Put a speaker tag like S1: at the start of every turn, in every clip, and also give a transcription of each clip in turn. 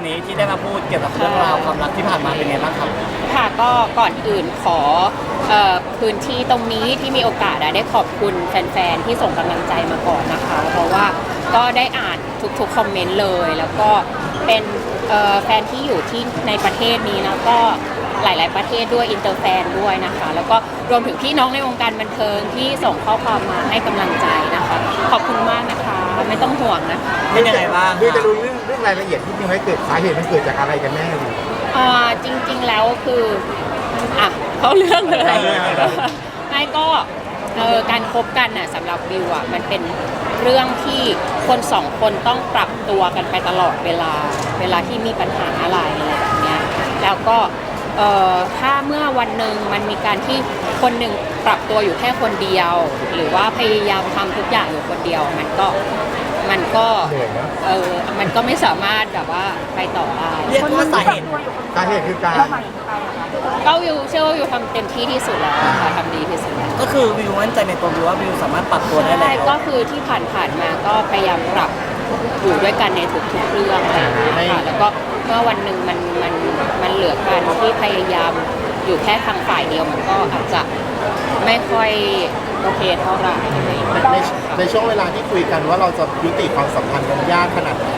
S1: นี้ที่ได้มาพูดเกี่ยวกับเรื่องราวความรักที่ผ่านมาเป็นไงบ้างครับ
S2: ค่ะก็ก่อนอื่นขอพื้นที่ตรงนี้ที่มีโอกาสได้ขอบคุณแฟนๆที่ส่งกำลังใจมาก่อนนะคะเพราะว่าก็ได้อ่านทุกๆคอมเมนต์เลยแล้วก็เป็นแฟนที่อยู่ที่ในประเทศนี้แล้วก็หลายๆประเทศด้วยอินเตอร์แฟนด้วยนะคะแล้วก็รวมถึงพี่น้องในวงการบันเทิงที่ส่งข้อความมาให้กำลังใจนะคะขอบคุณมากนะคะไม่ต้องห่วงนะคะ
S1: เป็นยังไงบ้าง
S3: ด้วยจะรู้เรื่องรายละเอียดที่จริงไม่เกิดสาเหตุมันเกิดจากอะไรกันแน่
S2: จริงๆแล้วคือเขาเรื่องเลยไม่ก็การคบกันน่ะสำหรับวิวมันเป็นเรื่องที่คนสองคนต้องปรับตัวกันไปตลอดเวลาที่มีปัญหาอะไรแบบเนี้ยแล้วก็ถ้าเมื่อวันหนึ่งมันมีการที่คนหนึ่งปรับตัวอยู่แค่คนเดียวหรือว่าพยายามทำทุกอย่างอยู่คนเดียวมันก็มันก็ไม่สามารถแบบว่าไปต่อได้
S1: เรียกว่าสาเหตุ
S3: คือการ
S2: ก็วิวเชื่อว่าวิวทำเต็มที่ที่สุดแล้วค่ะทำดีที่สุดแล้ว
S1: ก็คือวิวมั่นใจในตัววิวว่าวิวสามารถปรับตัวได้แล้ว
S2: ก็คือที่ผ่านมาก็พยายามปรับอยู่ด้วยกันในทุกๆเรื่องอะไรอย่างเงี้ยค่ะแล้วก็เมื่อวันหนึ่งมันเหลือการที่พยายามอยู่แค่ทางฝ่ายเดียวมันก็อาจจะไม่ค่อยโอเคเท่าไหร่
S3: ในช่วงเวลาที่คุยกันว่าเราจะยุติความสัมพันธ์กันยากขนาดไหน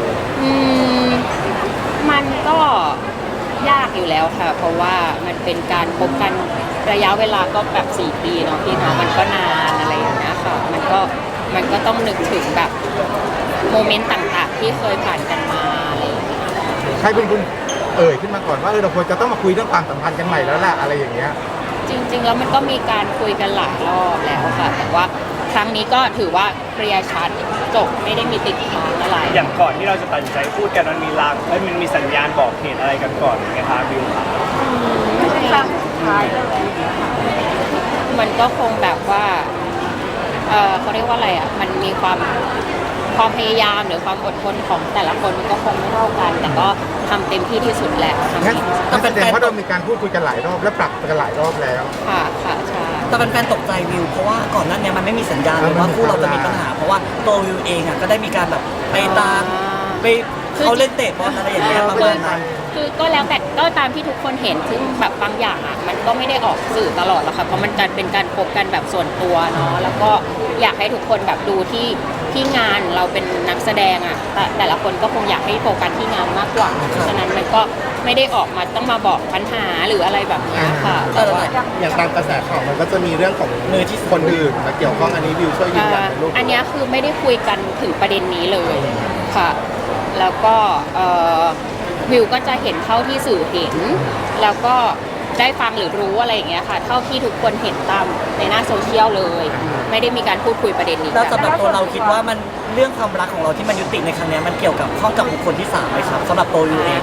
S2: มันก็ยากอยู่แล้วค่ะเพราะว่ามันเป็นการพบกันระยะเวลาก็แบบ4 ปีเนาะพี่เนาะมันก็นานอะไรอย่างเงี้ยค่ะมันก็ต้องนึกถึงแบบโมเมนต์ต่างๆที่เคยผ่านกันมาอะไรอย่างเงี้ย
S3: ใครเป็นคุณขึ้นมาก่อนว่าเราควรจะต้องมาคุยเรื่องความสัมพันธ์กันใหม่แล้วแหละอะไรอย่างเงี้ย
S2: จริงๆแล้วมันก็มีการคุยกันหลายรอบแล้วค่ะแต่ว่าครั้งนี้ก็ถือว่าเคลียร์ชัดจบไม่ได้มีติดค้างอะไร
S4: อย่างก่อนที่เราจะตัดสินใจพูดกันมันมีลางมันมีสัญญาณบอกเหตุอะไรกันก่อนไหมคะบิว
S2: ไม่ใช่ครั้งสุดท้ายเลยมันก็คงแบบว่าเขาเรียกว่าอะไรมันมีความพยายามหรือความอดทนของแต่ละคนมันก็คงไม่เท่ากันแต่ก็ทำเต็มที่ที่สุดแล้ว
S3: งั้นแสดงว่าเรามีการพูดคุยกันหลายรอบและปรับกันหลายรอบแล้ว
S2: ค่ะใช่
S1: แต่แฟนๆตกใจวิวเพราะว่าก่อนหน้านี้มันไม่มีสัญญาณเลยว่าคู่เราจะมีปัญหาเพราะว่าตัววิวเองก็ได้มีการแบบไปตามไปเขาเล่นเตะบอลอะไรอย่างเงี้ยประมาณนั้น
S2: คือก็แล้วแต่ก็ตามที่ทุกคนเห็นซึ่งแบบบางอย่างมันก็ไม่ได้ออกสื่อตลอดหรอกค่ะเพราะมันจะเป็นการพบกันแบบส่วนตัวเนาะแล้วก็อยากให้ทุกคนแบบดูที่งานเราเป็นนักแสดงแต่ละคนก็คงอยากให้โฟกัสที่งานมากกว่าเพราะฉะนั้นมันก็ไม่ได้ออกมาต้องมาบอกปัญหาหรืออะไรแบบนี้ค่ะ
S3: อย่างตามกระแสข่าวมันก็จะมีเรื่องของมือที่คนอื่นมาเกี่ยวข้องอันนี้วิวช่วยยืนยันในรูป
S2: อันนี้คือไม่ได้คุยกันถึงประเด็นนี้เลยค่ะแล้วก็วิวก็จะเห็นเท่าที่สื่อเห็นแล้วก็ได้ฟังหรือรู้อะไรอย่างเงี้ยค่ะเท่าที่ทุกคนเห็นตามในหน้าโซเชียลเลยไม่ได้มีการพูดคุยประเด็นนี้
S1: แล้วสำหรับตัวเราคิดว่ามันเรื่องความรักของเราที่มันยุติในครั้งนี้มันเกี่ยวกับข้องกับบุคคลที่3ไหมครับสำหรับตัววิวเอง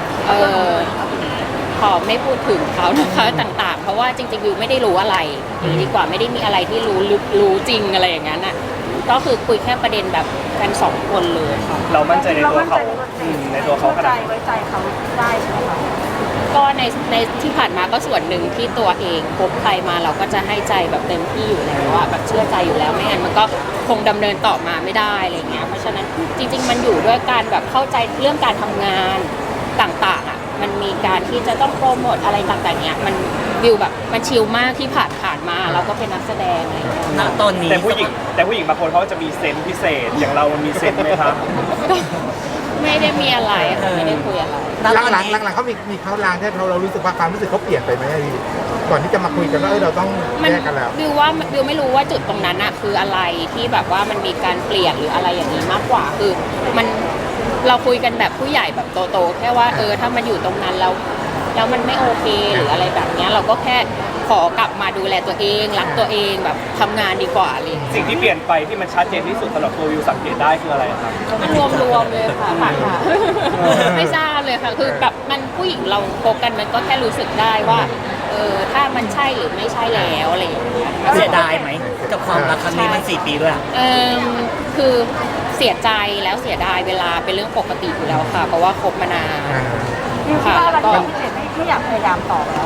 S2: ขอไม่พูดถึงเขานะคะต่างๆเพราะว่าจริงๆวิวไม่ได้รู้อะไรดีกว่าไม่ได้มีอะไรที่รู้จริงอะไรอย่างนั้นก็คือคุยแค่ประเด็นแบบกัน2 คนเลยค่ะ
S4: เรามั่นใจในตัวเขาในตัวเขาขนาด
S2: ไว้ใจเขาได้ใช่ไหมคะก็ในที่ผ่านมาก็ส่วนหนึ่งที่ตัวเองพบใครมาเราก็จะให้ใจแบบเต็มที่อยู่แล้วว่าแบบเชื่อใจอยู่แล้วไม่งั้นมันก็คงดำเนินต่อมาไม่ได้อะไรเงี้ยเพราะฉะนั้นจริงๆมันอยู่ด้วยการแบบเข้าใจเรื่องการทำงานต่างๆมันมีการที่จะต้องโปรโมทอะไรต่างๆเนี้ยมันวิวแบบมันชิลมากที่ผ่านมาเราก็เป็นนักแสดงอะไร
S1: ณตอนนี้
S4: แต่ผู้หญิงบางคนเขาจะมีเซนส์พิเศษอย่างเรามีเซนส์ไหมครับ
S2: ไม่ได้มีอะไรไม่ได้คุยอะไร
S3: หลังเขามีเขาลางที่เรารู้สึกว่าความรู้สึกเขาเปลี่ยนไปไหมก่อนที่จะมาคุยกันว่าเราต้องแยกกันแล้ว
S2: วิวไม่รู้ว่าจุดตรงนั้นคืออะไรที่แบบว่ามันมีการเปลี่ยนหรืออะไรอย่างนี้มากกว่าคือเราคุยกันแบบผู้ใหญ่แบบโตๆแค่ว่าถ้ามันอยู่ตรงนั้นแล้วมันไม่โอเคหรืออะไรแบบนี้เราก็แค่ขอกลับมาดูแลตัวเองรักตัวเองแบบทำงานดีกว่าเลย
S4: สิ่งที่เปลี่ยนไปที่มันชัดเจนที่สุดสำหรับตัววิวสังเกตได้คืออะไรครับ
S2: รวมเลยค่ะไม่ทราบเลยค่ะคือแบบมันผู้หญิงเราโฟกันมันก็แค่รู้สึกได้ว่าถ้ามันใช่หรือไม่ใช่แล้วอะไรอย่างเงี้ย
S1: เสียดายไหมกับความรักครั้งนี้มัน4 ปีด้วย
S2: คือเสียใจแล้วเสียดายเวลาเป็นเรื่องปกติอยู่แล้วค่ะเพราะว่าคบมานาน
S5: ค่ะแล้วก็ไม่อยากพยายามต่อแล้ว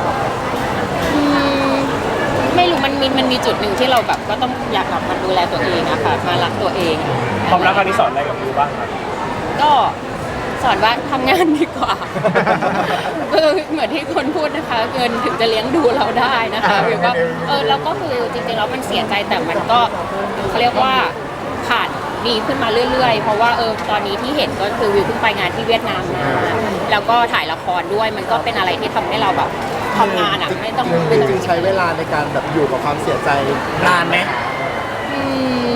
S2: ไม่รู้มันมีจุดหนึ่งที่เราแบบก็ต้องอยากกลับมาดูแลตัวเองอะค่ะมารักตัวเอง
S4: ความรักครั้งนี้สอนอะไรกับวิวบ้างครับ
S2: ก็สอนว่าทำงานดีกว่า คือเหมือนที่คนพูดนะคะเงินถึงจะเลี้ยงดูเราได้นะคะวิวก็แล้วก็คือจริงๆแล้วมันเสียใจแต่มันก็เขาเรียกว่าผ่านดีขึ้นมาเรื่อยๆเพราะว่าตอนนี้ที่เห็นก็คือวิวเพิ่งไปงานที่เวียดนามมาแล้วก็ถ่ายละครด้วยมันก็เป็นอะไรที่ทำให้เราแบบทำงานอ่ะไม่ต้อง
S6: จริงๆใช้เวลาในการแบบอยู่กับความเสียใจ
S1: นานไหม
S2: อืม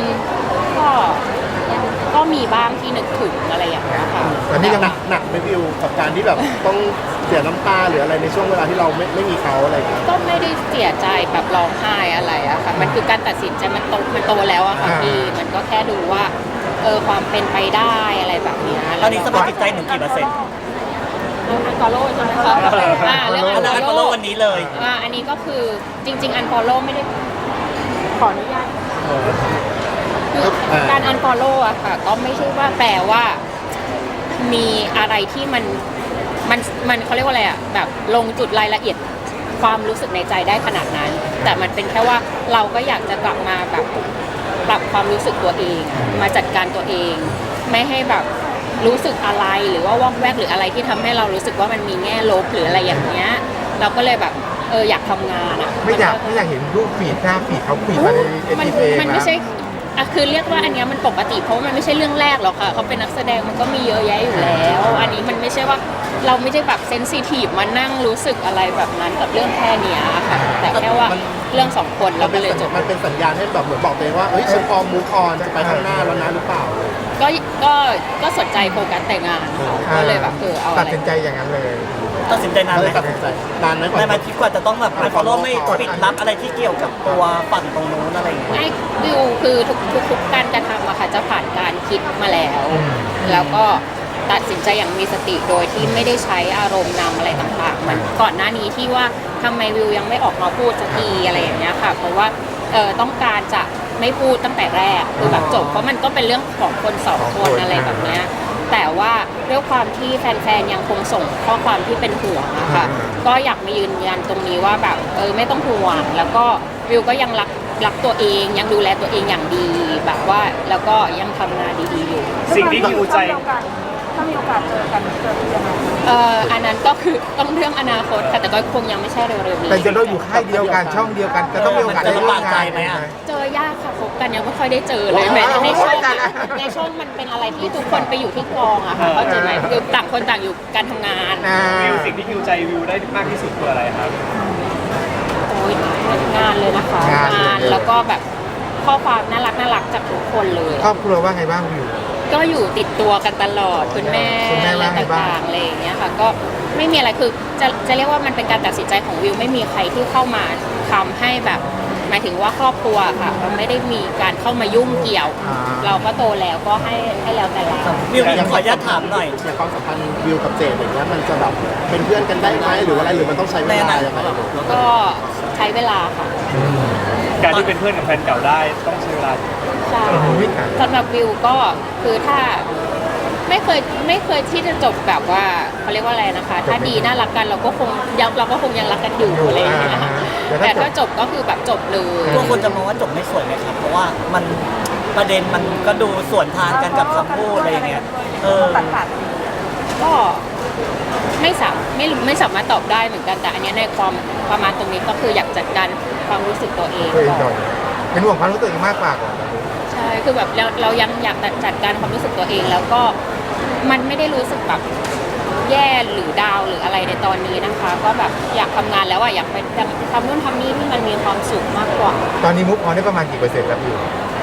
S2: ก็มีบ้างที่นึกถึงอะไรอย่างเงี้ยค่ะ
S3: ตอนนี้ยัง
S6: หนักไหมวิวกับการที่แบบต้องเสียน้ำตาหรืออะไรในช่วงเวลาที่เราไม่มีเขาอะไรอย่างเงี้ย
S2: ก็ไม่ได้เสียใจแบบร้องไห้อะไรอะค่ะมันคือการตัดสินใจมันโตแล้วอะค่ะพี่มันก็แค่ดูว่าความเป็นไปได้อะไรแบบเนี้ย
S1: ตอนนี้สภาพจิตใจหนูกี่เปอร์เซ็นต์
S2: เรื่องอันฟอลโล่ใช่ไหมคะเรื่อง
S1: อันนั้น
S2: อันฟ
S1: ฟ
S2: อ
S1: อ
S2: ล
S1: ล
S2: โล่
S1: โล่วันนี้เลย
S2: อันนี้ก็คือจริง ๆ อันฟอลโล่ไม่ได้ขออนุญาตคือการอันฟอลโล่อะค่ะก็ไม่ใช่ว่าแปลว่ามีอะไรที่มันเขาเรียกว่าอะไรอะแบบลงจุดรายละเอียดความรู้สึกในใจได้ขนาดนั้น แต่มันเป็นแค่ว่าเราก็อยากจะกลับมาแบบปรับความรู้สึกตัวเอง มาจัดการตัวเอง ไม่ให้แบบรู้สึกอะไรหรือว่าวอกแวกหรืออะไรที่ทำให้เรารู้สึกว่ามันมีแง่ลบหรืออะไรอย่างเงี้ยเราก็เลยแบบอยากทำงานอ่ะ
S3: ไม่อยากเห็นรูปฟีดหน้าฟีดเขาฟีดมาในเอ็น
S2: มัน
S3: ทีเอง
S2: มันไม่ใช่คือเรียกว่าอันเนี้ยมันปกติเพราะว่ามันไม่ใช่เรื่องแรกหรอกค่ะเขาเป็นนักแสดงมันก็มีเยอะแยะอยู่แล้ว อันนี้มันไม่ใช่ว่าเราไม่ได้แบบเซนซิทีฟมานั่งรู้สึกอะไรแบบนั้นกับเรื่องแค่เนี้ยค่ะแต่แค่ว่าเรื่องสองคนเราก็เลยจบ
S6: มันเป็นสัญญาณให้แบบเหมือนบอกตัวเองว่าเฮ้ยฉันพร้อมมูฟออนจะไปข้างหน้าแล้วนะหรือเปล่า
S2: ก็สนใจโฟกัสแต่งานก็เลยแบบเอา
S3: ตั
S2: อะ
S3: ด
S2: ไร
S3: สินใจอย่างนั้นเลย
S1: ตัดสินใจนาน
S6: ก็
S1: ไห
S6: เล
S1: ม
S6: ยตัดสินใจนานไหมกว่า
S1: ในมาคิดกว่าจะต้องแบบอันฟอลโล่ไม่ปิดลับอะไรที่เกี่ยวกับตัวฝั่งตรงนู้นอะไรอย่างเงี้ย
S2: ไม่วิวคือทุกการกระทำอะค่ะจะผ่านการคิดมาแล้ว แล้วก็ตัดสินใจอย่างมีสติโดยที่ไม่ได้ใช้อารมณ์นำอะไรต่างๆเหมือนก่อนหน้านี้ที่ว่าทำไมวิวยังไม่ออกมาพูดสักทีอะไรอย่างเงี้ยค่ะเพราะว่าต้องการจะไม่พูดตั้งแต่แรกคือแบบจบเพราะมันก็เป็นเรื่องของคนสองคนอะไรแบบเนี้ยแต่ว่าด้วยความที่แฟนๆยังคงส่งข้อความที่เป็นห่วงอะค่ะก็อยากมายืนยันตรงนี้ว่าแบบไม่ต้องห่วงแล้วก็วิวก็ยังรักตัวเองยังดูแลตัวเองอย่างดีแบบว่าแล้วก็ยังทำงานดีๆอยู่
S4: สิ่งที่ฮิวใจ
S5: ถ้ามีโอกาสเจอกันยังไง
S2: อันนั้นก็คือต้องเรื่องอนาคตค่ะแต่ก็คงยังไม่ใช่เร็วๆนี้
S3: แต่จะเราอยู่ค่ายเดียวกันช่องเดียวกันจะต้องมีโอกาสได้ร่วมงานไหม
S2: เจอยากค่ะพบกันยังไม่ค่อยได้เจอเลยแม้ในช่องในช่องมันเป็นอะไรที่ทุกคนไปอยู่ที่กองอะค่ะเข้าใจไหมคือต่างคนต่างอยู่การทำงาน
S4: วิวสิ่งที่ฮิวใจวิวได้มากที่สุดคืออะไรครับ
S2: โอ้ยงานเลยนะคะงานแล้วก็แบบข้อความน่ารักจากทุกคนเลย
S3: ครอบครัวว่าไงบ้างวิว
S2: ก็อยู่ติดตัวกันตลอดคุณแม่
S3: ว่า
S2: อะไร
S3: ไงบ้าง
S2: ต่างๆอะไรอย่างเงี้ยค่ะก็ไม่มีอะไรคือจะเรียกว่ามันเป็นการตัดสินใจของวิวไม่มีใครที่เข้ามาทำให้แบบหมายถึงว่าครอบครัวค่ะมันไม่ได้มีการเข้ามายุ่งเกี่ยว เราก็โตแล้วก็ให้แล้วแต่เรา
S1: วิวขออนุญาตถามหน่อย
S6: ในความสัมพันธ์วิวกับเจมอย่างเงี้ยมันจะแบบเป็นเพื่อนกันได้ไหมหรือว่าอะไรหรือมันต้องใช้เวลาอย่างไร
S2: ก็ใช้เวลาค่ะ
S4: การที่เป็นเพื่อนกับแฟนเก่าได้ต้องใช้เวลา
S2: ใช่สำหรับวิวก็คือถ้าไม่เคยที่จะจบแบบว่าเขาเรียกว่าอะไรนะคะ ถ้าดีน่ารักกันเราก็คงยังรักกันอยู่อะไรอย่างเงี้ยค่ะแต่ถ้าจบก็คือแบบจบเลย
S1: ตัวคนจะมองว่าจบไม่สวยไหมครับ เพราะว่ามันประเด็นมันก็ดูสวนทางกันกับคำพูดอะไรอย่างเงี้ย
S5: ตัด
S2: ก็ไม่สามารถตอบได้เหมือนกันแต่อันเนี้ยในความประมาณตรงนี้ก็คืออยากจัดการความรู้สึกตัวเอง
S3: ตัวเอง
S2: ก่
S3: ก่
S2: อ
S3: อน นเป็นห่วงความรู้สึกตัวเองมากกว่าก่อน
S2: ใช่คือแบบเรายังอยากจัดการความรู้สึกตัวเองแล้วก็มันไม่ได้รู้สึกแบบแย่หรือดาวหรืออะไรในตอนนี้นะคะ ก็แบบอยากทำงานแล้วอะอยากไปทำนู่นทำนี่ที่มันมีความสุขมากกว่า
S3: ตอนนี้มุกออนได้ประมาณกี่เปอร์เซ็นต์แล้ววิว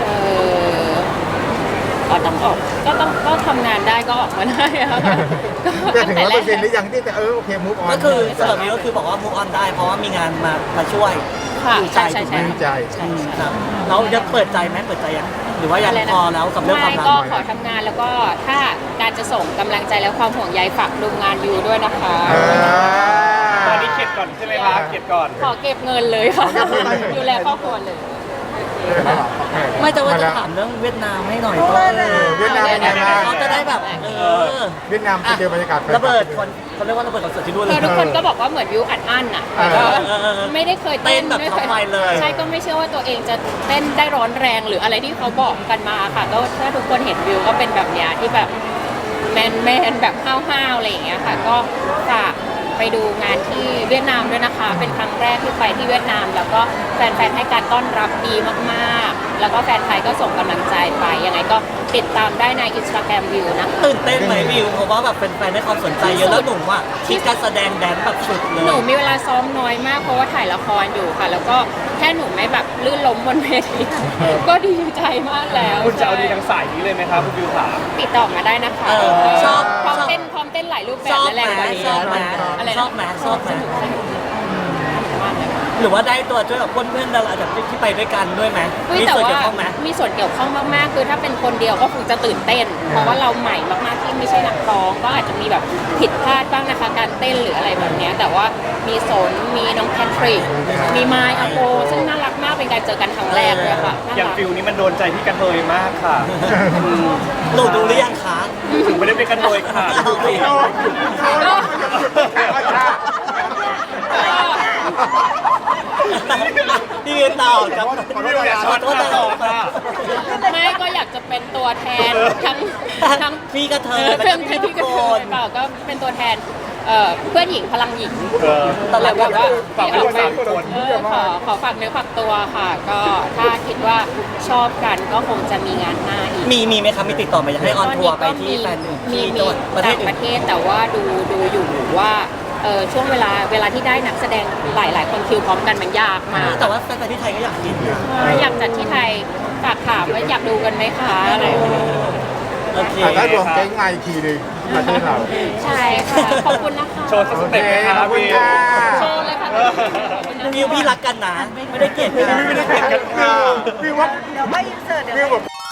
S2: ก็ต้องออกก็ทำงานได้ก็ออกมาได้อะค่ะ
S3: แต่ถึง100%หรือยังที่แต่โอเคมุกออน
S1: ก็คือสำหรับวิวก็คือบอกว่า move on ได้เพราะว่ามีงานมาช่วย
S2: ค่ะ
S1: ดูใจ
S2: ใช่
S1: ถูกไหม
S3: ดีใจ
S2: ใช่
S1: ครับแล้วยังเปิดใจไหมเปิดใจยังหรือว่ายังพอแล้วกับเรื่องความ
S2: ไม่
S1: รัก
S2: ก็ขอทำงานแล้วก็ถ้าการจะส่งกำลังใจและความห่วงใยฝากดูงานอยู่ด้วยนะคะ
S4: ตอนนี้เข็ดก่อนใช่ไหมคะเข็ดก่อน
S2: ขอเก็บเงินเลยค่ะดูแลครอบครัวเลย
S1: ไม่แต่ว่าจะถามเรื่องเวียดนามให้หน่อยก็
S3: เวียดนามเป็นไงบ้าง
S1: เขาจะได้แบบ
S3: เวียดนามไปเจอบรรยากาศ
S1: ระเบิดคนเขาเรียกว่าระเบิดคอนเสิร์ตที่นู่นเล
S2: คือย ทุกคนก็บอกว่าเหมือนวิวอัดอั้นอ่ะแต่ก็ไม่ได้เคยเต้น
S1: เต้นแบบ
S2: ไม่เคย
S1: ทำไมเลย
S2: ใช่ก็ไม่เชื่อว่าตัวเองจะเต้นได้ร้อนแรงหรืออะไรที่เขาบอกกันมาค่ะก็ถ้าทุกคนเห็นวิวก็เป็นแบบเนี้ยที่แบบแมนแบบห้าวๆอะไรอย่างเงี้ยค่ะก็ฝากไปดูงานที่เวียดนามด้วยนะคะ เป็นครั้งแรกที่ไปที่เวียดนาม แล้วก็แฟนๆให้การต้อนรับดีมากๆ แล้วก็แฟนไทยก็ส่งกำลังใจไปยังไงก็ติดตามได้ใน Instagram วิวนะคะ
S1: ตื่นเต้นไหมวิวเพราะว่าแบบแฟนๆให้ความสนใจเยอะแล้วหนุ่มอ่ะคิดการแสดงแดนซ์แบบสุดเลย
S2: หนูมีเวลาซ้อมน้อยมากเพราะว่าถ่ายละครอยู่ค่ะ แล้วก็แค่หนูไม่แบบลื่นล้มบนเวที ก็ดีใจมากแล้ว
S4: คุณจะเอาดีทางสายนี้เลยไหมครับคุณบิวขา
S2: ติดต่อมาได้นะคะ
S1: ชอบ
S2: พร้อมเต้นหลายรูปแบ
S1: ช
S2: บ
S1: อบ
S2: นั่นแห
S1: ไหม
S2: ละวันนี้
S1: ชอบไหม
S2: อะไรนะ
S1: ชอบไหมชอบไหม
S2: สนุกมากเลยค่ะ
S1: หรือว่าได้ตัวช่วยกับเพื่อนๆดาราจากที่ไปด้วยกันด้วยไหม
S2: อุ๊ย
S1: มี
S2: แต่
S1: ส่วน
S2: ว่า
S1: เกี่ยวข้องไหม
S2: มีส่วนเกี่ยวข้องมากๆ คือถ้าเป็นคนเดียวก็คงจะตื่นเต้น เพราะว่าเราใหม่มากๆที่ไม่ใช่นักร้องก็อาจจะมีแบบผิดพลาดบ้างนะคะการเต้นหรืออะไรแบบเนี้ยแต่ว่ามีสนมีน้องแพทริกมีไมค์อโปซึ่งน่ารักมากเป็นการเจอกันครั้งแรกเลยค่ะน่า
S4: อย่าง
S2: รัก
S4: ฟิลนี้มันโดนใจพี่กระเทยมากค่ะ
S1: หนูดูหรือยังคะ
S4: ถึงไม่ได้เป็นกระเทยค่ะ
S1: พี่วิวต่อครับ
S4: บิวอย่าช็อตค่ะต่อค่ะ
S2: ไม่ก็อยากจะเป็นตัวแทนทั้ง
S1: พี่กระเทย
S2: เพื่อน
S1: แล้ว
S2: ที่
S1: ทุ
S2: กระ
S1: ก
S2: เท
S1: ค
S2: ย
S1: น
S2: เปล่าก็เป็นตัวแทนเพื่อนหญิงพลังหญิง
S1: ตอนแรกแบบว่า
S4: ฝากไว้ด้วย3คน
S2: ขอฝากเนื้อฝากตัวค่ะ ก็ถ้าคิดว่าชอบกันก็คงจะมีงานหน้าอีก
S1: มีไหมครับมีติดต่อมาอยากให้ออนทัวร์ไปที่แฟนหนึ่ง
S2: มี
S1: ที่จังหวัดประเทศ
S2: ต่าง
S1: อื่
S2: ป
S1: น
S2: ระเทศแต่ว่าดูอยู่ว่าช่วงเวลาที่ได้นักแสดงหลายคนคิวพร้อมกันมันยากมาก
S1: แต่ว่าแฟนๆที่ไทยก็อยากกินนะ
S2: อยากจัดที่ไทยฝากถามว่าอยากดูกันไหมคะอะไรอย่างเงี้ย
S1: โอเค
S3: ถ้ารวมแก๊งมาอีกทีหนึงประเทศเรา
S2: ใช่ค่ะขอบคุณนะคะ
S4: โชว์สักสเต็ปไหมค
S3: ข
S4: รั
S3: อ
S4: บบ
S3: คุณ
S4: บิว
S3: ค่ะ
S2: โชว์เลยค่ะ
S1: วิวพี่รักกันนะ ไม่ได้เกลียดกัน
S3: ไม่ได้เกลียดกันค่ะวิวว่า
S5: เดี๋ยวก็อินเสิร์ตเดี๋ยว
S3: วิวแบบ